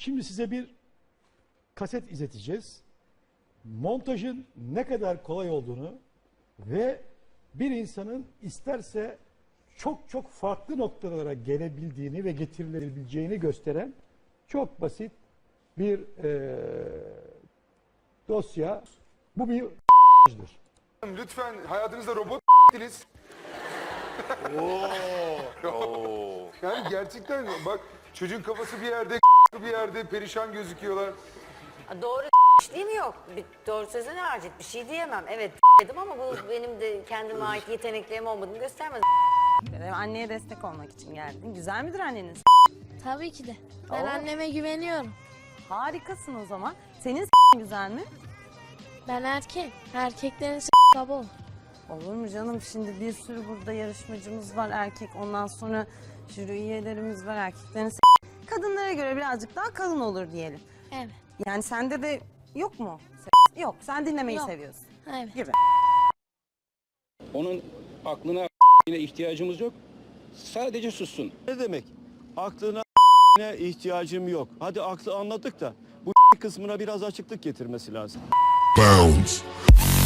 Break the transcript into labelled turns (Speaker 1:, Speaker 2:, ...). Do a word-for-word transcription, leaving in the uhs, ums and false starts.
Speaker 1: Şimdi size bir kaset izleteceğiz. Montajın ne kadar kolay olduğunu ve bir insanın isterse çok çok farklı noktalara gelebildiğini ve getirilebileceğini gösteren çok basit bir e, dosya. Bu bir ***'dır.
Speaker 2: Lütfen hayatınızda robot ***'diniz. Yani gerçekten bak çocuğun kafası bir yerde bir yerde perişan gözüküyorlar.
Speaker 3: Doğru değil mi yok? Bir, doğru sözüne harcet bir şey diyemem. Evet dedim ama bu benim de kendime ait yeteneklerim olmadığını göstermez.
Speaker 4: Anneye destek olmak için geldin. Güzel midir anneniz?
Speaker 5: Tabii ki de. Ben
Speaker 4: Oo.
Speaker 5: anneme güveniyorum.
Speaker 4: Harikasın o zaman. Senin güzel mi?
Speaker 5: Ben erkek. Erkeklerin kaba olur.
Speaker 4: Olur mu canım? Şimdi bir sürü burada yarışmacımız var erkek. Ondan sonra jüri üyelerimiz var erkeklerin kadınlara göre birazcık daha kalın olur diyelim.
Speaker 5: Evet.
Speaker 4: Yani sende de yok mu? Yok. Sen dinlemeyi
Speaker 5: Yok.
Speaker 4: seviyorsun.
Speaker 5: Evet.
Speaker 4: Gibi.
Speaker 6: Onun aklına ihtiyacımız yok. Sadece sussun.
Speaker 7: Ne demek? Aklına ihtiyacım yok. Hadi aklı anladık da bu kısmına biraz açıklık getirmesi lazım.
Speaker 8: Bounce.